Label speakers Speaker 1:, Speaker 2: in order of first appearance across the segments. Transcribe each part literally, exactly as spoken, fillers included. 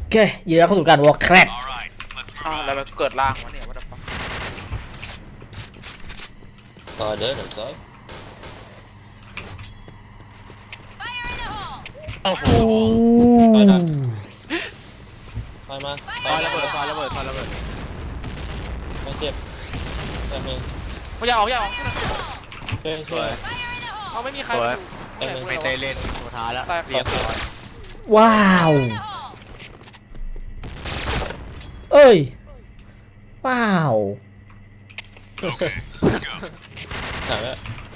Speaker 1: เคยินดีต้อนรับเข้าสู่การวอล์กแครก
Speaker 2: อ้าวแล้วมันเกิดล่างวะเนี่ยวัดฟัง
Speaker 3: ต่อเด้อเดี๋ยวต่อโอ้โหไปนะไปมา
Speaker 2: ซอยระเบิดซอยระเบิดซอยระเบิด
Speaker 3: ไม่เจ็บแค่เอง
Speaker 2: ไม่อยากออกอย่าออก
Speaker 3: ช่วยช่วย
Speaker 2: เขาไม่มีใคร
Speaker 3: ไม่เตะเล่น
Speaker 2: สุดท้ายแล้วเรียบร้อย
Speaker 1: ว้าวเอ้ยเปล่า
Speaker 3: ถามว่า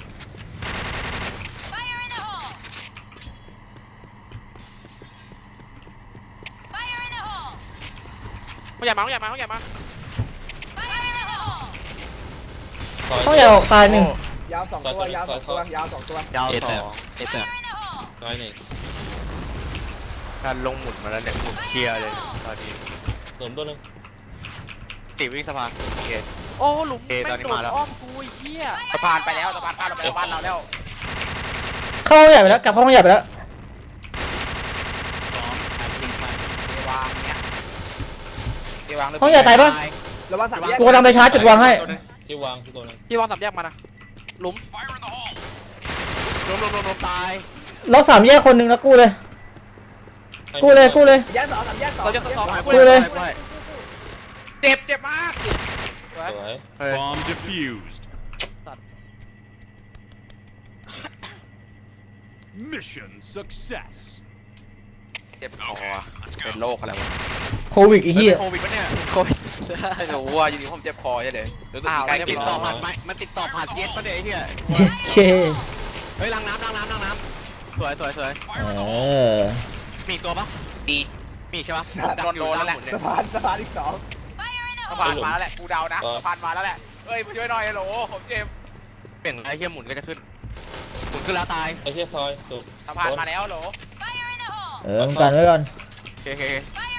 Speaker 2: เขาอยากมาเขาอยากมาเขาอยากมา
Speaker 1: ต้องอย่าออกตายหนึ่ง
Speaker 4: ยาวสองตัวยาวสองตัวยาวสองตัวย
Speaker 2: าว
Speaker 3: เอ็ด
Speaker 2: ส
Speaker 3: แบ
Speaker 2: อบ ง
Speaker 3: เอ็ดแบบน้อยหนึ่ง
Speaker 5: การลงหมุนมาแล้วเนี่ยหมุนเคลียร์เลยตอนนี้
Speaker 3: หลุมตัวนึง
Speaker 5: ติวิ่งสะพานโอเค
Speaker 2: โอ้หลุม
Speaker 5: เอตอนนี้มาแล้ว
Speaker 2: อ้อมกูไอ้เหี้ยสะพานไปแล้วสะพานพาเราไปบ้านเราแล้ว
Speaker 1: เข้าห้องใหญ่ไปแล้วกลับเข้าห้องใหญ่ไปแล้ว
Speaker 2: เอวางเนี้ยเอวาง
Speaker 1: ห้องใหญ่ตายปะ
Speaker 4: ระวังสามแยก
Speaker 1: กูกำลังไปชาร์จจุดวางให้
Speaker 3: ที่วางที่ตัวนึง
Speaker 2: พี่วางสามแยกมานะหลุม
Speaker 5: ลมลมลมลมตาย
Speaker 1: เราสามแยกคนหนึ่งแล้วกู้เลยกู้เลยกู้เลย
Speaker 4: แยกสองสามแยกสอง
Speaker 2: เราจะสอง
Speaker 1: กูเลย
Speaker 2: เจ็บเจ็บมาก
Speaker 3: สวย
Speaker 6: Bomb defused. Mission success.
Speaker 2: เจ็บคอเป็นโรคอะไรวะ
Speaker 1: โควิดไอ้เหี้ย
Speaker 5: โควิดปะเนี่ย
Speaker 2: โคตรไม่รู้ว่าอยู่ดีผมเจ็บคอใช่เลยรู้สึกใกล้
Speaker 5: ติดต่อผ่านไหมมันติดต่อผ่านเย็ดปะเนี่ยไอ้เหี้ย
Speaker 1: เย็ดเค
Speaker 5: เฮ้ยล้างน้ำล้างน้ำล้างน้ำสวยสวยสวย
Speaker 1: เออ
Speaker 5: มีตัวปะ
Speaker 2: ดี
Speaker 5: มีใช่ปะ
Speaker 2: โดนโดนแล้วแหละ
Speaker 4: สะพานสะพานอีกสอง
Speaker 2: สะพานมาแล้วแหละกูเดานะสะพานมาแล้วแหละเอ้ยมาช่วยหน่อยโหลผมเจ็บ
Speaker 5: เปลี่ยนไอ้เหี้ยหมุนก็จะขึ้นหมุนขึ้นแล้วตาย
Speaker 3: ไอ้เหี้ยซอยสุด
Speaker 2: สะพานมาแล้วโหล
Speaker 1: เออมึงกันไว้ก่อน
Speaker 5: โอเคโอเค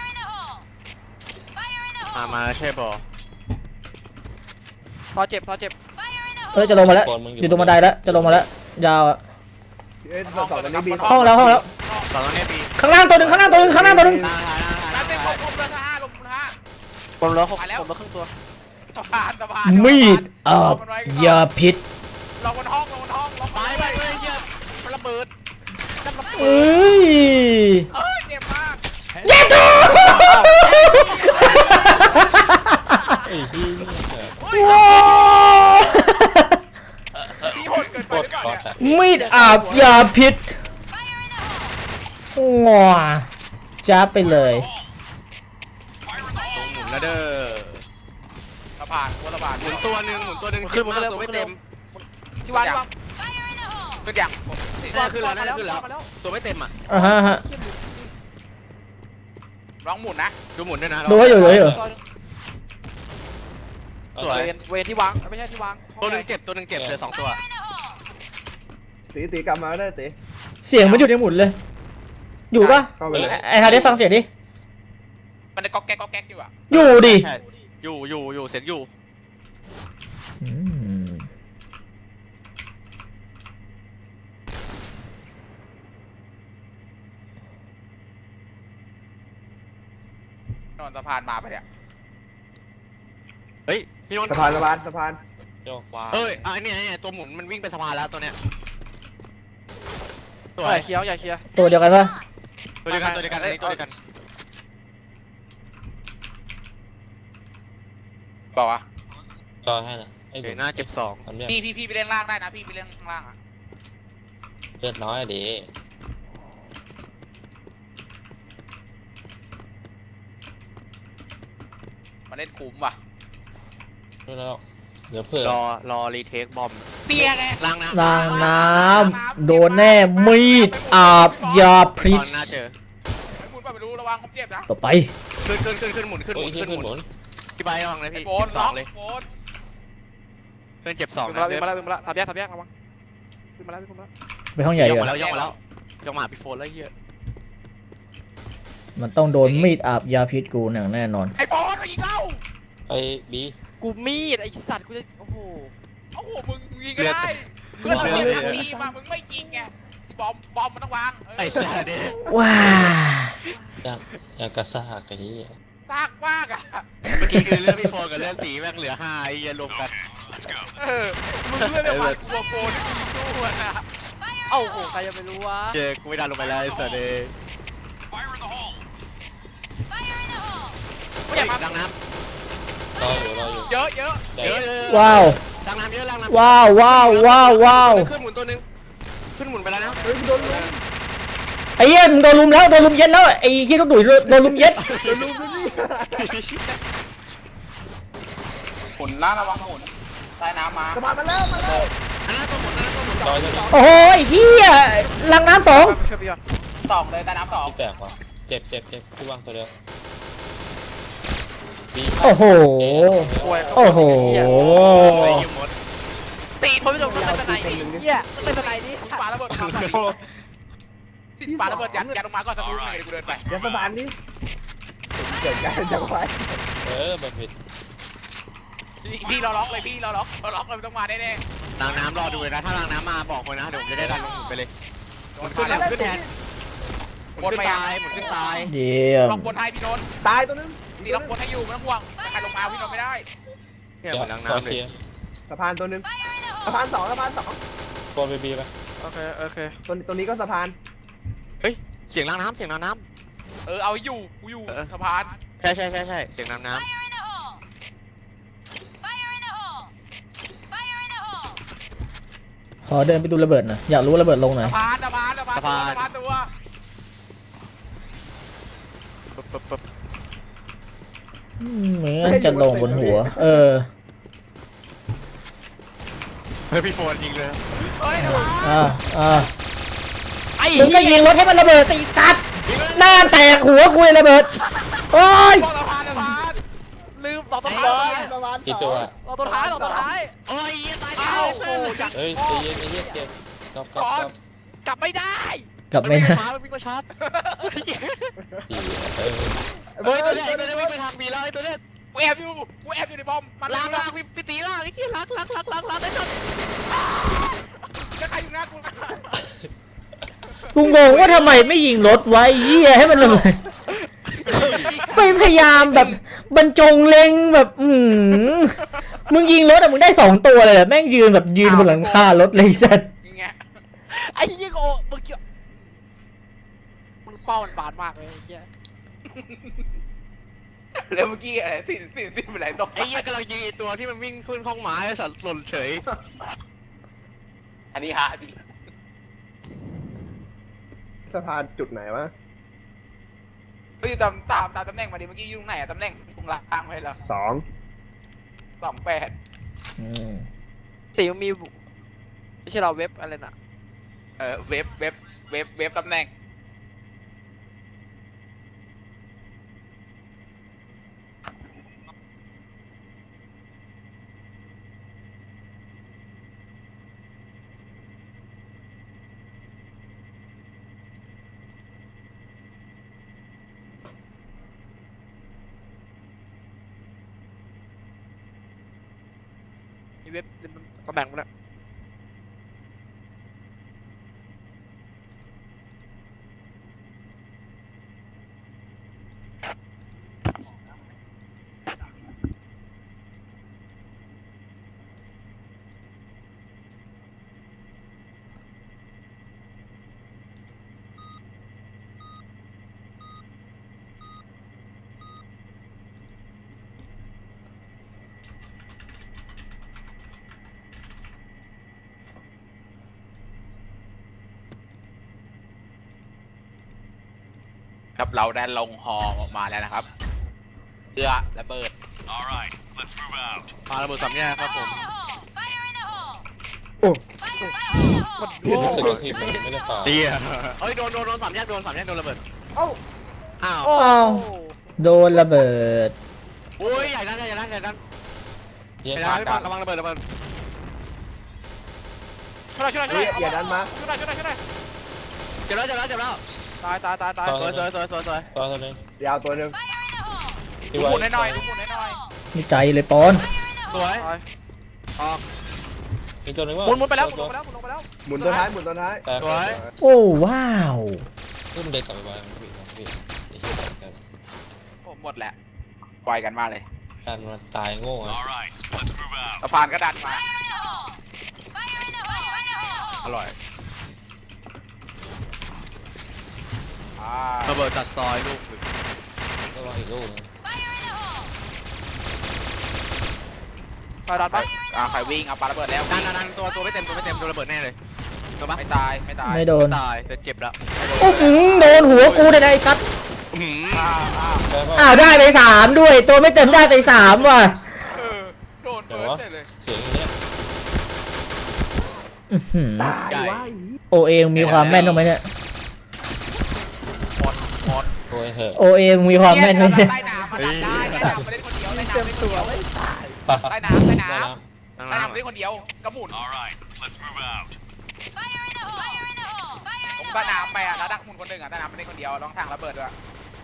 Speaker 5: มามาใช่ปะ
Speaker 2: พอเจ็บพอเจ็บ
Speaker 1: เฮ้ยจะลงมาแล้วอยู่ตรงบันไดแล้วจะลงมาแล้วยาวอะ
Speaker 4: เอ้ยสองตัวนี้บี
Speaker 1: ห้องแล้วห้องแล้ว
Speaker 5: สองตัวนี้ปี
Speaker 1: ข้างล่างตัวหนึ่งข้างล่างตัวหนึ่งข้างล่างตัวหนึ่ง
Speaker 5: ล่างล่างล่าง
Speaker 2: แล้ว
Speaker 5: ล่าง
Speaker 2: เป็น
Speaker 5: ล่าง
Speaker 2: ผมผมละห้าลงละห้า
Speaker 1: ผมแล้ว
Speaker 2: มาแล้วผมละครึ่งตัวสะพานสะพาน
Speaker 1: มีดอาบยาพิษ
Speaker 2: ลงบนห้องลงบนห้องลง
Speaker 5: ตายไปเลยเหี้ยมันระเบิด
Speaker 1: เอ้ย
Speaker 2: เอ้ยเจ็บมาก
Speaker 1: เย็ดตัว
Speaker 3: ไอ้ที่
Speaker 1: ว้าว
Speaker 2: พี่โหดเกิน
Speaker 3: โค
Speaker 2: ไป
Speaker 3: ต
Speaker 2: ห
Speaker 3: ร
Speaker 2: รือเปล่า
Speaker 3: คอ
Speaker 2: เนี่ย
Speaker 3: ส
Speaker 1: มีดอาบยาพิษว้าจ้าไปเลย
Speaker 5: หมุนแล้วเด้อ
Speaker 2: สะพานหัวสะพาน
Speaker 5: หมุนตัวหนึ่งหมุนตัวหนึ่ง
Speaker 2: ขึ้นมาเลย
Speaker 5: ตัวไม่เต็ม
Speaker 2: ที่วางที่วางขึ้นยัง
Speaker 5: น่าขึ้นแล้วน่าขึ้นแล้วตัวไม่เต็มอ่ะ
Speaker 1: อ่าฮะฮะ
Speaker 2: ร้องหมุนนะ
Speaker 5: ดูหมุนด้วยนะ
Speaker 1: ดูให้อยู่ดูให้อยู่
Speaker 5: สวย
Speaker 2: เวนเวนที่วางไม่ใช่ที่วาง
Speaker 5: ตัวหนึ่งเจ็บตัวหนึ่งเจ็บเหลือสองตัว
Speaker 4: ตีตีกลับมาได้ตี
Speaker 1: เสียงมันอยู่ในหมุนเลย อยู่ปะ
Speaker 4: เข้าไปเลย
Speaker 1: ไอ้ไอ้ทาได้ฟังเสียงดิ
Speaker 2: มันได้ก๊อกแก๊กก๊อกแก๊กอยู่อ่ะ
Speaker 1: อยู่ดิ
Speaker 5: ใช่อยู่อยู่อยู่เสร็จอยู่
Speaker 1: อืม
Speaker 2: นอนสะพานมาไปเนี่ย
Speaker 5: เฮ้ยพี่นนท์
Speaker 4: สะพานสะพานสะพาน
Speaker 3: โยก
Speaker 2: ว้า
Speaker 5: เอ้ยอ่ะเนี่ยเนี่ยตัวหมุนมันวิ่งไปสะพานแล้วตัวเนี้ยส
Speaker 2: ให
Speaker 5: วย
Speaker 2: ญ่เคี้ยวใหญ่เคี้ยว
Speaker 1: ตัวเดียวกันปะ
Speaker 5: ตัวเดียวกันตัวเดียวกันอันนี้ตัวเดียวกัน
Speaker 2: บอกว่า
Speaker 3: ต่อให้นะไอ้
Speaker 5: โอเคหน้าเจ็บสอง
Speaker 3: ทำเนี่ย
Speaker 2: พี่พี่พี่ไปเล่นล่างได้นะพี่ไปเล่นข้างล่างอ่ะ
Speaker 3: เลือดน้อยดิ
Speaker 2: มาเล่นคุ้มว่ะ
Speaker 3: ไม่แล้วเดี๋ยวเพื่อ
Speaker 5: รอรอรีเทคบอม
Speaker 2: เปียไง
Speaker 5: ล้างน้ำ
Speaker 1: นางน้ำโดนแน่มีดอาบยาพิ
Speaker 5: ต
Speaker 1: ษ
Speaker 5: อนหน้าเจอ
Speaker 2: ไม่พูดไปดูระวังผมเจ็บนะ
Speaker 1: ต่อไป
Speaker 5: ขึ้นขึ้นขึ้นขึ้นหมุนขึ้นห
Speaker 3: โอ้
Speaker 5: มุ
Speaker 3: ย
Speaker 5: น
Speaker 3: ที่
Speaker 5: ขึ้น
Speaker 3: ขึ้น
Speaker 5: ห
Speaker 3: ห
Speaker 5: มุ
Speaker 3: มุ
Speaker 5: น
Speaker 3: น
Speaker 5: พี่ใบระวังเลยพี่
Speaker 2: โฟน
Speaker 5: สองเลย
Speaker 2: โฟน
Speaker 5: ขึ้นเจ็บสอง
Speaker 2: วิ่งมาแล้ววิ่งมาแล้ววิ่งมาแล้วทับแยกทับแยกระวังวิ่งมาแล้ววิ่งมาแล้ว
Speaker 1: ไปห้องใหญ่
Speaker 5: ย
Speaker 1: ดี
Speaker 5: ก
Speaker 1: ก
Speaker 5: มา
Speaker 1: ว่า
Speaker 5: แล้วยกมาแล้วยกมาหาพี่โฟนแล้วเฮีย
Speaker 1: มันต้องโดนมีดอาบยาพิษกูอย่างแน่นอน
Speaker 2: ไอ้โฟนอีกแล้ว
Speaker 3: ไอ้บี
Speaker 2: กูมีดไอ้สัตว์กูจะโอ้โหโอ้โหมึงยิงก็ได้เพื่อนเราเล่นดีมามึงไม่ยิงไงบอมบอมมันต้องวาง
Speaker 5: ไอ้เสียดิ
Speaker 1: ว้า
Speaker 3: อยากอยากกระซากไอ้เหี้ย
Speaker 2: ซากมากอ่ะ
Speaker 5: เมื่อกี้คือเรื่องพี่โฟกับเรื่องตีแม่งเหลือห้าไอ้เหี้ยรวมกัน
Speaker 2: เออมึงเลือกเลยว่ากลัวโฟนที่มึงสู้อะนะ
Speaker 7: เอ้าโอ้ใครจะไปรู้วะ
Speaker 5: เจอกูไม่ดันลงไปแล้วไอ้เสียดิ
Speaker 2: ไม่อยากมา
Speaker 5: ดังน้
Speaker 3: รออยู่รออยู่
Speaker 2: เยอะเยอะ
Speaker 5: ำ
Speaker 3: ได้
Speaker 5: เยอะเยอะ
Speaker 1: ว้าว
Speaker 5: ดังน้ำเยอะดังน้ำ
Speaker 1: ว้าวว้าวว้าวว้าว
Speaker 5: ขึ้นหมุนตัวนึงขึ้นหมุนไปแล้วนะ
Speaker 4: เฮ้ยโดนลุม
Speaker 1: ไอ้เหี้ยมึงโดนลุมแล้วโดนลุมเย็ดแล้วไอ้เหี้ยต้องดุยโดนลุมเย็ด
Speaker 4: โดนลุมด้วยนี่
Speaker 2: หมุนล่าระวังหมุนใต้น้ำมา
Speaker 4: สะพานมาแล้วมาแล้ว
Speaker 5: อันนั้นตัวหมุนอันนั้นตัวหมุน
Speaker 3: รอจะมี
Speaker 1: โอ้โหไอ้เหี้ยลังน้ำสอง
Speaker 7: ช่วยพี่ก่อน
Speaker 2: สองเลยใต้น้ำสอง
Speaker 3: ที่แตกว่ะเจ็บเจ็บเจ็บที่วางตัวเดียวบี
Speaker 1: โอ้โห
Speaker 7: ป่วย
Speaker 1: โอ้โห
Speaker 5: ไอ้ยิมมด
Speaker 7: ตีทนไม่จบต้องเป็นสไนด์ดิเฮียต้องเป็นสไนด์ดิ
Speaker 2: ปาระเบิดมาปาระเบิดยัดยัดลงมาก่อนสักครู่นึงเดี๋ยวกูเดินไป
Speaker 4: อย่าสะพานนี่เกิดการจังหวะ
Speaker 3: เออแบบผิด
Speaker 2: พี่เราล็อกเลยพี่เราล็อกเราล็อกเลยต้องมาแน่
Speaker 5: ดังน้ำรอดูเลยนะถ้าดังน้ำมาบอกคนนะเดี๋ยวผมจะได้ดันลงหมุนไปเลย
Speaker 2: ๆ
Speaker 5: หมุนขึ้นแล้วขึ้นแทนหมุนขึ้นตายหมุนขึ้นตาย
Speaker 1: เยี่ยม
Speaker 2: ล็อกบนให้พี่นนท์
Speaker 4: ตายตัวนึง
Speaker 2: ตีล็อกบนให้อยู่ไม่ต้องห่วงใครลงมาพี่นนท์ไม่ได้
Speaker 5: เนี่ย
Speaker 3: จะ
Speaker 5: เหมือนดัง
Speaker 3: ขอ
Speaker 5: น้ำเล
Speaker 3: เคลี
Speaker 5: ย
Speaker 3: ยร์
Speaker 4: สะพานตัวนึงสะพานสองสะพานสอง
Speaker 3: โกนไปบีไป
Speaker 7: โอเคโอเค
Speaker 4: ตัวตัวนี้ก็สะพาน
Speaker 5: เฮ้ยเสียงดังน้ำเสียงดังน้
Speaker 2: เออเอาอยู่กูอยู่สะพาน
Speaker 5: ำใช่ใช่ใช่ใช่เสียงดังน้
Speaker 1: ขอเดินไปดูระเบิดหน่อยอยากรู้ว่าระเบิดลงไหน
Speaker 2: สะพานสะพานสะพานตัวสะพานตัว
Speaker 5: ำปึ๊บปึ๊บปึ๊บ
Speaker 1: อืมเหมือนจะลงบนหัว เออ
Speaker 5: เฮ้ยพี่โฟนยิงเลย
Speaker 2: เฮ้ยสะพาน
Speaker 1: อ่าอ่ามึงก็ยิงรถให้มันระเบิดสิสัตว์หน้าแตกหัวกูเลยระเบิดโอ้ย
Speaker 2: บอกสะพานสะพาน
Speaker 7: ลืมต่อต้น
Speaker 4: สะ
Speaker 7: ท้าย
Speaker 4: พานสะพาน
Speaker 3: กี่
Speaker 4: ส
Speaker 3: ตั
Speaker 4: อ
Speaker 3: ว
Speaker 4: ง
Speaker 7: ต่อต้นท้ายต่อต้นท้าย
Speaker 5: โอ้ยตาย
Speaker 2: เอ้า
Speaker 5: แล้ว
Speaker 2: โอ้จัด
Speaker 3: เฮ้ยใจเย็นไอ้เหี้ยเจ็บกลับกลับกลับ
Speaker 7: กลับไม่ได้
Speaker 1: กลับไม่
Speaker 5: ไม่
Speaker 1: ได้
Speaker 5: ช้ามันวิ่งมาชาร์จ
Speaker 3: ดีเออ
Speaker 5: เฮ้ยตัวเนี้ยไอ้ตัวเนี้ยวิ่งไปทางบีแล้วไอ้ตัวเนี้ย
Speaker 2: กูแอบอยู่กูแอบอยู่ในบอมมัน
Speaker 5: ล้าง
Speaker 2: ล้า
Speaker 5: ล้างพี่พี่ตีล้างไอ้ขี้ล้างล้างล้างล้างล้างไอ้ช็อต
Speaker 2: จะใครอยู่หน้ากู
Speaker 1: กูงงว่าทำไมไม่ยิงรถไว้เหี้ยให้มันระเบิดไม่พยายามแบบบรรจงเล็งแบบอืมมึงยิงรถอะมึงได้สองตัวเลยอะแม่งยืนแบบยืนบนหลังคารถเลยสัตว์
Speaker 2: อย่างเงี้ย
Speaker 7: ไอ้เหี้ยโอ้มึงเกี่ยวมึงเป้ามันบาดมากเลยไอ้เหี้ย
Speaker 2: แล้วเมื่อกี้อะไรสิ่งสิ่งสิ่งเป็นไรตก
Speaker 5: ไอ้เหี้ยกำลังยิงไอ้ตัวที่มันวิ่งขึ้นห้องไม้ไอ้สัตว์หล่นเฉย
Speaker 2: อันนี้ฮะดิ
Speaker 4: สะพานจุดไหนวะ
Speaker 2: เฮ้ยตามตามตามตำแหน่งมาดิเมื่อกี้อยู่ตรงไหนอะตำแหน่งตรงล่างไว้เหรอ
Speaker 4: สอง
Speaker 2: สองแปด
Speaker 1: อืม
Speaker 7: ตีมันมีไม่ใช่เราเว็บอะไรน่ะ
Speaker 2: เออเว็บเว็บเว็บเว็บตำแหน่ง
Speaker 7: มีเว็บตำแหน่งมันอะ
Speaker 2: ครับเราได้ลงฮอออกมาแล้วนะครับเรือระเบิด
Speaker 6: All right, let's move out.
Speaker 5: ปาระเบิดสามแยกครับผม
Speaker 4: โอ้
Speaker 7: มัน
Speaker 3: รู้สึกว่าทีมมันไม่ได้ฝ่า
Speaker 5: เตี้ยเอ้ยโดนโดนโดนสามแยกโดนสามแยกโดนระเบิด
Speaker 4: เอ้า
Speaker 5: อ้าว
Speaker 7: โอ้
Speaker 1: อ้าวโดนระเบิด
Speaker 5: โอ้ยใหญ่นั่นใหญ่นั่นใหญ่นั่น
Speaker 3: เหี้ย
Speaker 5: ใหญ่นั่นระวังระเบิดระเบิด
Speaker 2: ช่วยหน่อยช่วยหน่อยช่วยหน่อย
Speaker 4: อย่าดันมา
Speaker 2: ช่วยหน่อยช่วยหน่อยช่วยหน่อย
Speaker 5: เจ็บแล้วเจ็บแล้วเจ็บแล้ว
Speaker 7: ตายตายตายตาย
Speaker 5: สวยสวยสวยสวยสวย
Speaker 3: ตัวตัวนึง
Speaker 4: ยาวตัวหนึ่ง
Speaker 3: ที่
Speaker 2: ดู
Speaker 3: ไว้
Speaker 2: หมุนให้หน่อยดูหมุนให้หน่อย
Speaker 1: นี่ใจเลยปอน
Speaker 5: สวย
Speaker 7: ตาย
Speaker 5: ออก
Speaker 3: มีตัวหนึงว่า
Speaker 7: หมุนหมุนไปแล้วหมุนลงไปแล้วหมุนลงไปแล้ว
Speaker 4: หมุนตัวท้ายหมุนตัวท้าย
Speaker 3: แต่
Speaker 5: สวย
Speaker 1: โอ้ว้าว
Speaker 3: ขึ้นเด็กกลับไปบ้านพี่พี่ไอ้เหี้ยกัน
Speaker 2: โอ้หมดแหละปล่อยกันมาเลย
Speaker 3: การมันตายโง่อะ
Speaker 6: All right, let's move out.
Speaker 2: สะพานก็ดันมา
Speaker 5: อร่อย
Speaker 2: อ่า
Speaker 5: ระเบิดจัดซอยลูกหนึ่ง
Speaker 3: ก็รออีกลูกนึง
Speaker 7: ไปดันไป
Speaker 2: อ่าใครวิ่งเอาปาระเบิดแล้ว
Speaker 5: นั่นนั่นนั่นตัวตัวไม่เต็มตัวไม่เต็มตัวระเบิดแน่เลยตัวปะ
Speaker 2: ไม่ตายไม่ตาย
Speaker 1: ไม่โดน
Speaker 5: ตายแต่เจ็บแล้ว
Speaker 1: โอ้โหโดนหัวกูได้ไอ้กัด
Speaker 5: อื้อหือ
Speaker 2: อ้าวอ้าว
Speaker 3: ได้ป่ะ
Speaker 1: อ้าวได้ไปสามด้วย ตัวไม่เต็มได้ไปสามว่ะ
Speaker 2: เออโดนเปิดเฉยเลย
Speaker 3: เสียงอย่างเงี้ย
Speaker 1: อื้อหือ
Speaker 4: ตายวะ
Speaker 1: โอเองมีความแม่นตรงไหมเนี่ย
Speaker 2: หมดหมด
Speaker 3: โอ้ยเหอะ
Speaker 1: โอเองมีความแม่นไหมเนี่ย
Speaker 2: ใต้น้ำมาดันได้ใต้น้ำมาเล่นคนเดียวใต้น้ำเล่นคนเดียว
Speaker 3: ปะ
Speaker 2: ใต้น้ำใต้น้
Speaker 3: ได้
Speaker 2: ำ
Speaker 3: น้
Speaker 5: นั่ง
Speaker 2: ใต้
Speaker 5: น้
Speaker 2: น้ำเล่นคนเดียวกระหมุน
Speaker 6: All right, let's move out.
Speaker 2: ลงใต้น้ำไปอ่ะแล้วดักหมุนคนหนึ่งอ่ะใต้น้ำไม่เล่นคนเดียวลองทางระเบิดด้วย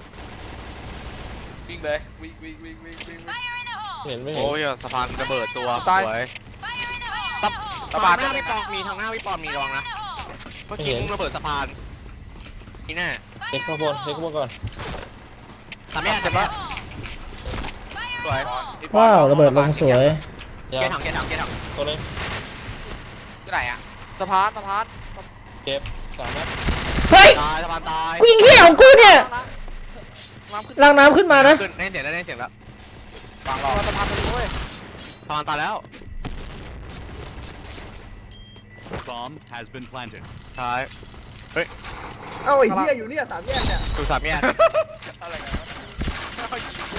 Speaker 2: วิ่งเลยวิ่งวิ่งวิ่งวิ่งวิ่ง
Speaker 3: ำเห็นไม่
Speaker 5: ำ
Speaker 3: เห็น
Speaker 5: โอ้ยสะพานระเบิดตัวสวยตับ
Speaker 2: สะพาน
Speaker 5: หน้าพี่ปองมีทางหน้าพี่ปองมีรองนะเมื่อกี้มึงระเบิดสะพานนี่แน่
Speaker 3: เช็คข้างบนเช็คข้างบนก่อน
Speaker 5: ทำแย่เจ็บปะสวย
Speaker 1: ว้าวระเบิดลงสวย
Speaker 3: ยา
Speaker 5: เกยร์ถังเกยร์ถังเกยร์ถัง
Speaker 3: ตัวนึง
Speaker 2: ที่ไหนอ่ะ
Speaker 7: สะพานสะพาน
Speaker 3: เก็บสามนัด
Speaker 1: เฮ้ย
Speaker 5: ตายสะพานตาย
Speaker 1: กูยิงเหี้ยของกูเนี่ย
Speaker 7: น้ำขึ้น
Speaker 1: ล้างน้ำขึ้นมานะ
Speaker 5: ขึ้นได้เสียงแล้วได้เสียงแล้ว
Speaker 2: ฟังรอ
Speaker 7: สะพานไปเลยเว้ย
Speaker 5: สะพานตายแล้ว
Speaker 6: Bomb has been planted.
Speaker 5: ตาย
Speaker 4: เอ้าไอ้เหี้ยอยู่เนี่ยสามแยกเนี่ย
Speaker 5: ดูสามแยก
Speaker 2: อะไรกันวะ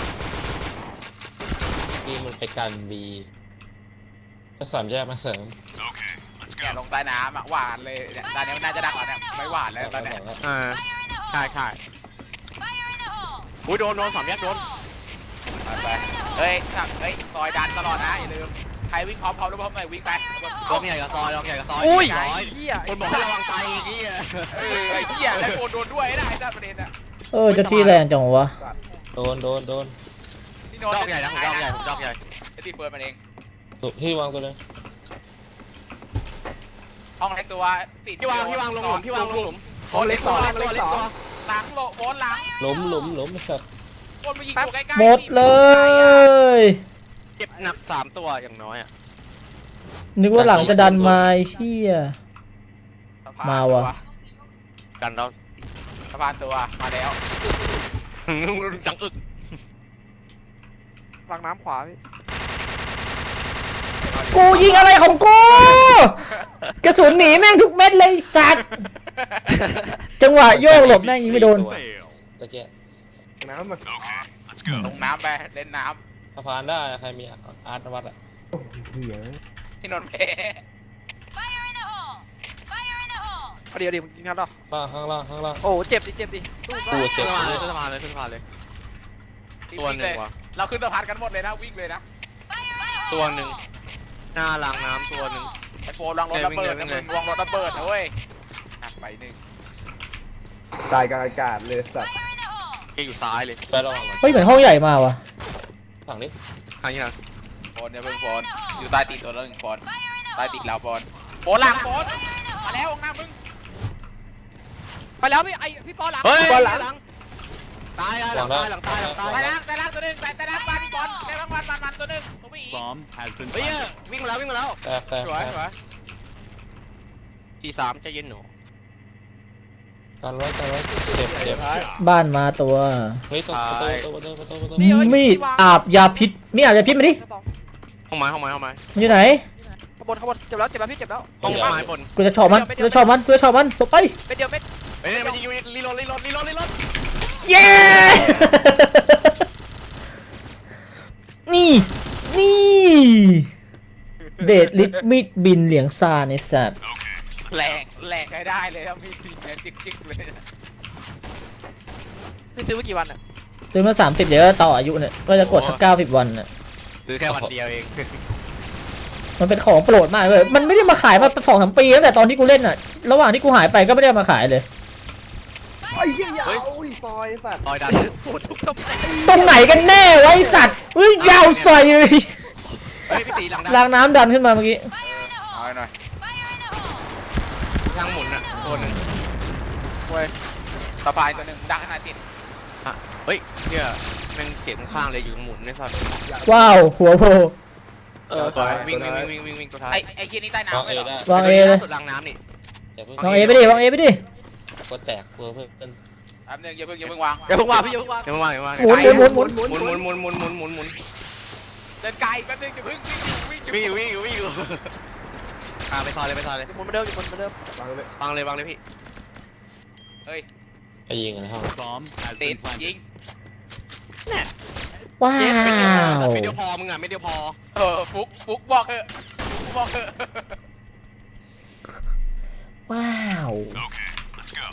Speaker 3: ที่มันไปกันบีก็สามแยกมาเสริม
Speaker 6: Okay, let's
Speaker 2: เนี่ย
Speaker 6: go.
Speaker 2: ลงใต้น้ำอ่ะหวานเลยเนี่ยตอนนี้มันน่าจะดักแล้วเนี่ยไม่หวานแล้วตอนเนี้ย
Speaker 5: อ่าใช่ใช่อุ้ยโดนโดนสามแยกโดน
Speaker 2: ไปไปเฮ้ยสั่งเฮ้ยซอยดันตลอดนะอย่าลืมใครวิ่งพร้อมพร้อมแล้วพร้อมหน่อยวิ่งไป
Speaker 5: ลองใหญ่กับซอยลองใหญ่กับซอย
Speaker 7: อุ้ย
Speaker 5: ร้อย
Speaker 7: เหี้ย
Speaker 5: คนบอกให้ระวังไตอีกนี่
Speaker 2: เออไอ้เหี้ยแล้วโดนโดนด้วยนะไอ้เจ้าประเด็นอ่ะ
Speaker 1: เออเจะที่แรงจังวะ
Speaker 3: โดนโดนโดน
Speaker 2: พี่
Speaker 5: ดอกใหญ่นะผมดอกใหญ่ผมดอกใหญ่
Speaker 2: ไอ้ที่เปิดมันเอง
Speaker 3: ตุกที่วางตัวนึง
Speaker 2: ห้องเล็กตัวติด
Speaker 5: พี่วางพี่วางลงหลุมพี่วางลงหลุม
Speaker 4: โอ้เล็กสอง
Speaker 5: เล็กตัว
Speaker 4: เล็กสอง
Speaker 2: หลังโลโบนหลัง
Speaker 3: หลุมหลุมหลุมไอ้สัตว์
Speaker 2: โบนมายิงอยู่ใกล้ๆ
Speaker 1: หมดเลย
Speaker 5: เจ็บหนักสามตัวอย่างน้อยอ่ะ
Speaker 1: นึกว่าหลังจะดันมาไอ้เชี่ย
Speaker 2: สะพน
Speaker 1: มาว่ะ
Speaker 5: กันเรา
Speaker 2: สะพานตัวมาแล้ว
Speaker 5: จังอึก
Speaker 7: ล้างน้ำขวาพี่
Speaker 1: กูยิงอะไรของกู กระสุนหนีแม่งทุกเม็ดเลยไอ้สัตว์ จังหวะโยกหลบแม่งยิงไม่โดน
Speaker 6: Fail.
Speaker 3: ตะเกียบ
Speaker 4: น้ำมา
Speaker 6: Okay, let's
Speaker 2: ล
Speaker 6: go.
Speaker 2: งน้ำไปเล่นน้
Speaker 3: สะพานได้ใครมีอาร์ตนวัตอ่ะ
Speaker 4: เหี้ย
Speaker 2: ำที่นนท์เพ
Speaker 7: เอาเดี๋ยวเดี๋ยวมึงยิงนัดหรอ
Speaker 3: ล่างข้างล่างข้างล่าง
Speaker 7: โอ้เจ็บดิเจ็บดิสู้
Speaker 3: กู
Speaker 7: ได้
Speaker 3: เจ็บ
Speaker 5: ขึ้นสะพานเลยขึ้นสะพานเลยขึ้นสะพานเลย ตัวหนึ่งว่ะ
Speaker 2: เราขึ้นสะพานกันหมดเลยนะวิ่งเลยนะ
Speaker 5: ตัวหนึ่งหน้ารางน้ำตัวหนึ่ง
Speaker 2: ไอ้โฟมลองรถระเบิดนะมึงวางรถระเบิดนะเว้ยหนักไปหนึ่ง
Speaker 4: ตายกลางอากาศเลยสัตว์
Speaker 5: เกยอยู่ซ้ายเลย
Speaker 3: ไประวังก่อน
Speaker 1: เฮ้ยเหมือนห้องใหญ่มาว่ะ
Speaker 3: ฝั่งนี้
Speaker 5: อันนี้นะ
Speaker 2: โฟนเนี่ยเพิ่งโฟนอยู่ใต้ตีนตัวนึงโฟนใต้ตีนเราโฟนโฟนหลังโฟนมาแล้วข้างหน้ามึง
Speaker 7: ไปแล้วพี่ไอพี่ปอหลัง
Speaker 5: เฮ้ย
Speaker 4: บอลหลัง
Speaker 5: หลังตายหลังตายหลังตายหลังตาย
Speaker 2: ใต้ล่างใต้ล่างตัวนึงใต้ใต้ล่างบ้านพี่บอลใต้ล่างบ้านมันมันตัวนึงตัวพี่อีก
Speaker 6: Bomb has been
Speaker 5: เฮ้ย
Speaker 6: planted.
Speaker 5: วิ่งมาแล้ววิ่งมาแล้ว
Speaker 3: แตกแตก
Speaker 5: สวย
Speaker 3: แต
Speaker 5: ส
Speaker 3: ก
Speaker 5: วยทีสามใจเย็นหนู
Speaker 3: กันไว้กันไว้เจ็บเจ็บ
Speaker 1: บ้านมาตัว
Speaker 3: เฮ้ยตัวประตูประตูประตูประตู
Speaker 1: มีดอาบยาพิษมีดอาบยาพิษมาดิ
Speaker 5: ห้องไม้ห้องไม้ห้องไม้
Speaker 1: มันอยู่ไหน
Speaker 7: ข้างบนข้างบนเจ็บแล้วเจ็บแล้วพี่เจ็บแล้ว
Speaker 5: ห้องไม้บน
Speaker 1: กูจะชอบมัน กูจะชอบมัน กูจะชอบมันตัวไป
Speaker 7: เม็ดเดียวเม็ด
Speaker 5: เฮ้ยมันยิงรีโหลดรีโหลดรีโหลดรีโหลด
Speaker 1: เย้ นี่ นี่เดดลิทมิดบินเหลียงซาในสัตว์
Speaker 2: แหลกแหลกให้ได้เลยครับพี่จริงเนี่ยจิ๊กจิ๊กเลย
Speaker 7: พี่ซื้อมากี่วันอ่ะ
Speaker 1: ซื้อมาสามสิบเดี๋ยวต่ออายุเนี่ยก็จะกดสักเก้าสิบวันน่ะ
Speaker 5: ซื้อแค่วันเดียวเอง
Speaker 1: มันเป็นของโปรดมากเลย มันไม่ได้มาขายมาสองสามปีตั้งแต่ตอนที่กูเล่นน่ะ ระหว่างที่กูหายไปก็ไม่ได้มาขายเลย
Speaker 4: ไอ้เหี้ยยาวอุ้ยฟอยสัตว์
Speaker 5: ลอยดัน
Speaker 7: โอ้ทุกตบ
Speaker 1: ตรงไหนกันแน่ไวะไอ้สัตว์เฮ้ยยาวใส่เลย
Speaker 5: เฮ้ยพี่ตีหลังดัน
Speaker 1: รางน้ำดันขึ้นมาเมื่อกี้
Speaker 2: เอาหน่อย
Speaker 7: เว้ย
Speaker 2: สะพานตัวหนึ่งดังขนาดติด
Speaker 5: เฮ้ยเนี่ยแม่งเสียงข้างเลยอยู่หมุนในสัตว์
Speaker 1: ว้าวหัวโผล่
Speaker 7: เออ
Speaker 5: ตัววิ่งวิ่งวิ่งวิ่งวิ่งตัวท้าย
Speaker 2: ไอ้ไอ้เคียนี่ใต้
Speaker 3: วาง
Speaker 2: น้ำ
Speaker 3: เอ
Speaker 2: ไม่หรอ
Speaker 3: ได้
Speaker 1: วางเอเลย
Speaker 5: สุดรางน้ำนี่
Speaker 3: อย่าเพิ่ง
Speaker 1: วางเอไปดิวางเอไปดิ
Speaker 3: ก็แตกเพื่อเพื่อน
Speaker 2: แป๊บนึงอย่าเพิ่งอย่าเพิ่งวาง
Speaker 7: อย่าเพิ่งวางพี่อย่าเพิ่งวาง
Speaker 5: เดี๋ยวมาวางเดี๋ยวมาวาง
Speaker 1: หมุนหมุนหมุนหมุน
Speaker 5: หมุนหมุนหมุนหมุนหมุนหมุนหมุน
Speaker 2: เดินไกลแป๊บนึงอย่าเพิ่งวิ่งวิ่ง
Speaker 5: วิ่งอยู่วิ่งอยู่วิ่งอยู่อ่าไปซอยเลยไปซอยเลย
Speaker 7: อยู่บนเหมือนเดิมอยู่บนเหมือนเดิม
Speaker 4: วางเลย
Speaker 5: วางเลยวางเลยพี่
Speaker 2: เฮ้ย
Speaker 3: ไปยิงกันในห้อง
Speaker 6: Bomb has
Speaker 2: ติด
Speaker 6: been
Speaker 2: ยิ
Speaker 6: planted.
Speaker 2: ง
Speaker 1: ว้าว
Speaker 5: ไม่เดียวพอมึงอ่ะไม่เดียวพอ
Speaker 2: เออฟุกฟุกบอกเถอะฟุกบอกเถอะ
Speaker 1: ว้าว
Speaker 6: Okay, let's go.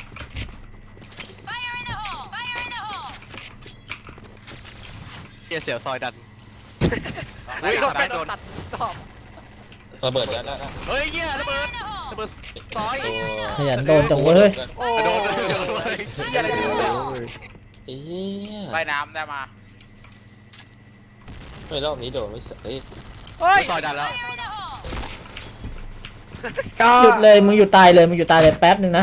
Speaker 5: เฮียเสียวซอยดัน
Speaker 2: เฮ้ย
Speaker 7: โดนไปโดนตัดตอบ
Speaker 3: ระเบิดแล้วแล้ว
Speaker 5: เฮ้ยเฮียระเบิดระเบิดซอย
Speaker 3: ตัว
Speaker 1: ขยันโดนจังเว้ย
Speaker 7: โอ้
Speaker 5: โดน
Speaker 7: โห
Speaker 5: เลย
Speaker 7: เหี้ยอะไรกันเนี่ย
Speaker 3: เอ้ย
Speaker 2: ใต้น้ำได้มา
Speaker 3: ไม่รอบนี้โดนไม่เอ้ย
Speaker 7: เฮ้ย
Speaker 5: ซอยดันแล้ว
Speaker 1: หยุดเลยมึงหยุดตายเลยมึงหยุดตายเลยแป๊บนึงนะ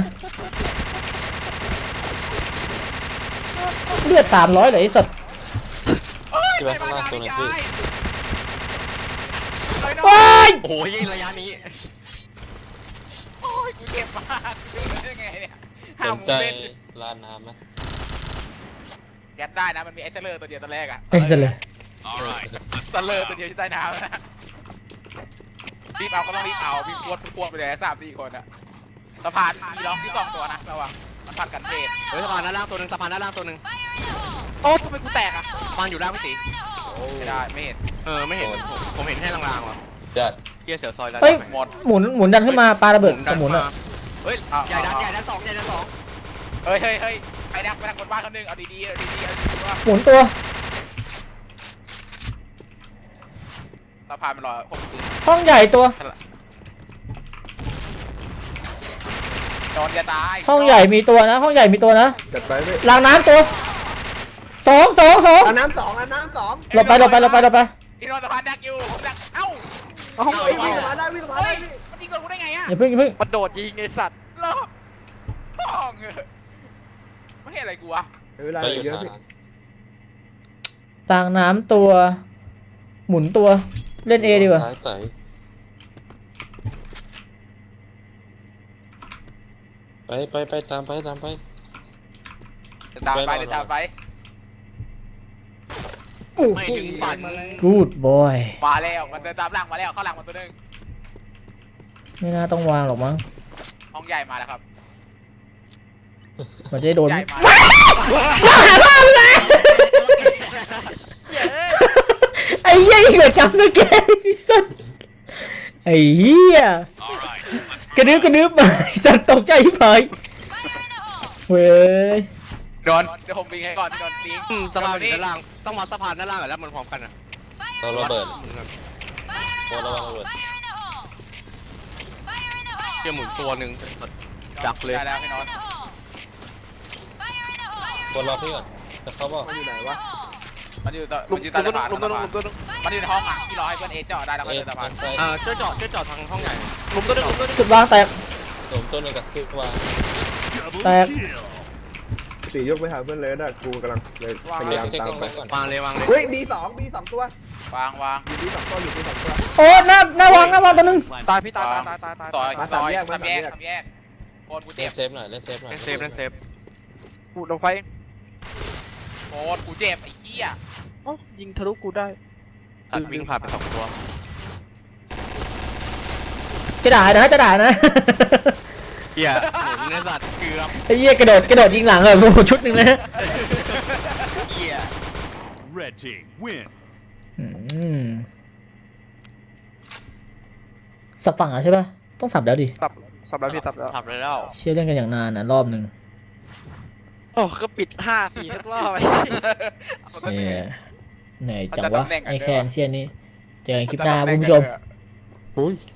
Speaker 1: เลือดสามร้อยเลยไอ้สัตว์
Speaker 3: ที่ว่าข้างล่างตัวนึงคือ
Speaker 1: ว้าย
Speaker 5: โอ้โหยิงระยะนี้
Speaker 2: โอ้ยกูเจ็บมากกูเดินได้ไงเนี่ย
Speaker 3: ส
Speaker 2: ห้าม
Speaker 3: น
Speaker 2: มึง
Speaker 3: ใจ
Speaker 2: เล่น
Speaker 3: ลานน้ำไหม
Speaker 2: แกสได้นะมันมีไอ้เซเลอร์ตัวเดียวตัวแรกอะ
Speaker 1: ไอ้สัตว์เลย
Speaker 6: All right,
Speaker 2: เซเลอร์ตัวเดียวที่ใต้น้ำนะรีบเอาก็ต้องรีบเอาวิ่งพวดพวดไปเลยสามสี่คนอะสะพานมีล็อกที่สองตัวนะระวังมันผัดกันเทศ
Speaker 5: เฮ้ยสะพานด้านล่างตัวหนึ่งสะพานด้านล่างตัวหนึ่ง
Speaker 7: โอ้ทำไมกูแตกอ่ะ
Speaker 5: สะพานอยู่ล่างพี่ตี
Speaker 2: ไม่ได้ไม่เห็น
Speaker 5: เออไม่เห็นผมผมเห็นแค่ลางๆว่ะ
Speaker 3: จัด
Speaker 5: เฮียเสียวซอยดัน
Speaker 1: เฮ้ย
Speaker 2: หมด
Speaker 1: หมุนหมุนดันขึ้นมาปาระเบิดกับหมุน
Speaker 5: มา
Speaker 1: อ่ะ
Speaker 5: เฮ้ยใหญ่ดันใหญ่ดันสองใหญ่ดันสอง
Speaker 2: เฮ้ยเฮ้ยเฮ้ยไอ้นักไปนักคนบ้านคนหนึงเอาดีๆเอาดีๆเอาดีๆว่า
Speaker 1: หมุนตัว
Speaker 2: สะพานมันรอผมคืน
Speaker 1: ห้องใหญ่ตัว
Speaker 2: โดนจะตาย
Speaker 1: ห้องใหญ่มีตัวนะ ห้องใหญ่มีตัวนะ
Speaker 4: จัดไปเว้ย
Speaker 1: รางน้ำตัวสองสองสอง
Speaker 4: อันน้ำสองอันน้ำสอง
Speaker 1: หลบไปหลบไปหลบไปหลบไป
Speaker 2: ที่นอนสะพานดักอยู่ผมดักเอ้า
Speaker 4: เอาห้องไอ้วิ่งมาได้วิ่งมา
Speaker 2: เฮ้
Speaker 4: ได้
Speaker 2: ย
Speaker 4: พี่
Speaker 2: มันยิงโดนกูได้ไงอะ
Speaker 1: อย่าเพิ่งอย่าเพิ่ง
Speaker 7: มันโดดยิงไอ้สัตว์
Speaker 2: เหรอป้องเออไม่เห็นอะไรกูวะ
Speaker 4: เวลา
Speaker 3: ไปอยู่
Speaker 4: เยอะ
Speaker 3: ทาง
Speaker 4: พี่
Speaker 1: รางน้ำตัว หมุนตัวเล่นเอดีกว่า
Speaker 3: ซ้ายไต่ไปไปไปตามไปตามไป
Speaker 2: เดินตามไปเดินตามไป
Speaker 5: ไม่ถึงฝัน
Speaker 1: Good boy
Speaker 2: มาแล้วมันเดินตามหลังมาแล้วเข้าหลังมาตัวหนึง
Speaker 1: ไม่น่าต้องวางหรอกมั้ง
Speaker 2: ห้องใหญ่มาแล้วครับ
Speaker 1: มันจะได้โดน
Speaker 2: ใหญ่มา
Speaker 1: ไอ้เหี้ยเหลือจำนะแกไอ้เหี้ย
Speaker 6: all right, let's
Speaker 1: กระดึ๊บกระดึ๊บมาไอ้สัตว์ตกใจที่ผายเว้ย
Speaker 2: โดนเดี๋ยวผมวิ่งให้ก่อนพี่โดนปิง
Speaker 5: อืมสะพานอยู่ด้านล่างต้องมาสะพานด้านล่างก่อนแล้วมันพร้อมกันอ่ะ
Speaker 3: เราระเบิดโคระวังระเบิด
Speaker 5: เฮียหมุนตัวหนึ่งจักเลย
Speaker 2: ได้แล้วพี่โนน
Speaker 3: คนรอพี่ก่อนแต่เขาบอก
Speaker 4: มันอยู่ไหนวะ
Speaker 2: มันอยู่ต่อ
Speaker 7: ลุ
Speaker 2: มั
Speaker 7: ม
Speaker 2: นอยู่
Speaker 7: ตั
Speaker 2: ใต้
Speaker 7: ว
Speaker 2: สะ
Speaker 7: นึง
Speaker 2: พาน
Speaker 7: ลุมตัวนึงลุมตัวนึง
Speaker 2: มันอยู่ในห้องอ่ะพี่รอให้เพื่อนเอเจาะได้แล้วก็
Speaker 3: เอ๊ะ
Speaker 2: เดินสะพาน
Speaker 3: ทางซ้าย
Speaker 5: อ่าเจ้าจอดเจ้าจอดทางห้องใหญ่
Speaker 7: ลุมตัวนึงลุมตัวนึง
Speaker 1: จุดวางแตก
Speaker 3: สมต้นหนึ่งกับคือวาง
Speaker 6: double
Speaker 1: Tag.
Speaker 6: kill.
Speaker 4: ตียกไปหาเพื่อนเลยนะกูกำลังเลยพยายาม
Speaker 3: เช็ค
Speaker 4: ตาม
Speaker 3: กล้อง
Speaker 4: ไป
Speaker 3: ไว้ก่อน
Speaker 5: วางเลยวางเลย
Speaker 4: เฮ้ยบีสองบีสองตัว
Speaker 2: วางวาง
Speaker 4: อยู่บีสองตัวอยู่บีสองตัว
Speaker 1: โอ้หน้าหน้าวางหน้าวางตัวนึง
Speaker 7: ตายพี่ตายตายตายตาย
Speaker 2: ซอย
Speaker 4: มา
Speaker 2: ซ
Speaker 4: สาม
Speaker 2: อย
Speaker 4: แยกมา
Speaker 2: ทำแยก
Speaker 4: สามแยก
Speaker 2: ทำแยกโคนกู
Speaker 3: เล่
Speaker 2: เจ็
Speaker 3: น
Speaker 2: บ
Speaker 3: เซฟหน่อยเล่นเซฟหน่อย
Speaker 5: เล่นเซฟเล่นเซฟ
Speaker 7: กูลงไฟ
Speaker 2: โคนกูเจ็บไอ้เหี้ย
Speaker 7: โอ้ยิงทะลุกูได้
Speaker 5: อัดวิ่งผ่านไปสองตัว
Speaker 1: จะด่านะจะด่านะ
Speaker 5: เฮียหมุนในสัตว์เกือบ
Speaker 1: ไอ้เหี้ยกระโดดกระโดดยิงหลังเลยโอ้โหชุดหนึ่งนะ
Speaker 5: เฮีย
Speaker 6: Red team win.
Speaker 1: อืมสับฝั่งอ่ะใช่ป่ะต้องสับแล้วดิ
Speaker 7: ตับสับแล้วพี่ตับแล้ว
Speaker 5: ทับเลยแล้ว
Speaker 1: เชี่ยเล่นกันอย่างนานนะรอบหนึ่ง
Speaker 7: โอ้ก็ปิดห้าสี่ทุกรอบไป
Speaker 1: เนี่ยเหนื่อยจังวะไอ้แคนเชี่ยนี้เจอกันคลิปหน้าคุณผู้ชม
Speaker 3: อุ้ย